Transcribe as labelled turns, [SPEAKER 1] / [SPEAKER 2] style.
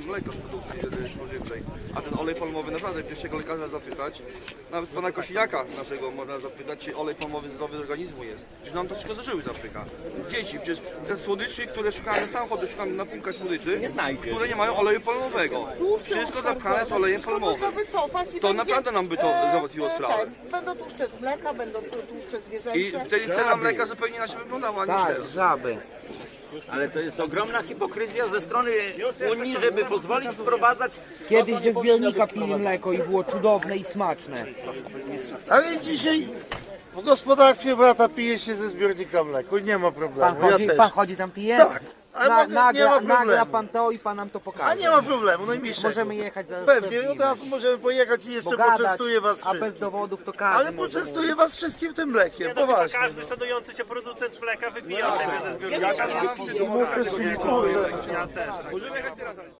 [SPEAKER 1] mleko z produkcji spożywczej. A ten olej palmowy naprawdę pierwszego lekarza zapytać, nawet pana Kosiniaka naszego można zapytać, czy olej palmowy zdrowy z organizmu jest. Przecież nam to wszystko ze żyły zapycha. Dzieci, przecież te słodyczy, które szukamy, samochody szukamy na półkach słodyczy, które nie mają oleju palmowego. Wszystko zapchane z olejem palmowym. To naprawdę nam by to załatwiło sprawę.
[SPEAKER 2] Będą tłuszcze z mleka, będą tłuszcze zwierzęce.
[SPEAKER 1] I wtedy cena mleka zupełnie inaczej wyglądała niż
[SPEAKER 3] Tak,
[SPEAKER 1] teraz.
[SPEAKER 3] żaby.
[SPEAKER 4] Ale to jest ogromna hipokryzja ze strony Unii, żeby pozwolić sprowadzać.
[SPEAKER 3] Kiedyś ze zbiornika pili mleko i było cudowne i smaczne.
[SPEAKER 5] Ale dzisiaj w gospodarstwie brata pije się ze zbiornika mleko i nie ma problemu.
[SPEAKER 3] Pan chodzi tam pije?
[SPEAKER 5] Tak, ale nie ma
[SPEAKER 3] Nagra
[SPEAKER 5] problemu.
[SPEAKER 3] pan to i pan nam to pokaże.
[SPEAKER 5] A nie ma problemu, najmniejszego.
[SPEAKER 3] Możemy jechać zaraz.
[SPEAKER 5] Pewnie, od razu możemy pojechać i jeszcze
[SPEAKER 3] pogadać,
[SPEAKER 5] poczęstuję was
[SPEAKER 3] a bez
[SPEAKER 5] wszystkim.
[SPEAKER 3] dowodów to każdy
[SPEAKER 5] Ale
[SPEAKER 3] może
[SPEAKER 5] poczęstuję was wszystkim tym mlekiem, poważnie.
[SPEAKER 6] Każdy szanujący się producent mleka wypija sobie ze zbiornika.
[SPEAKER 1] Ja mam
[SPEAKER 5] Możemy jechać teraz.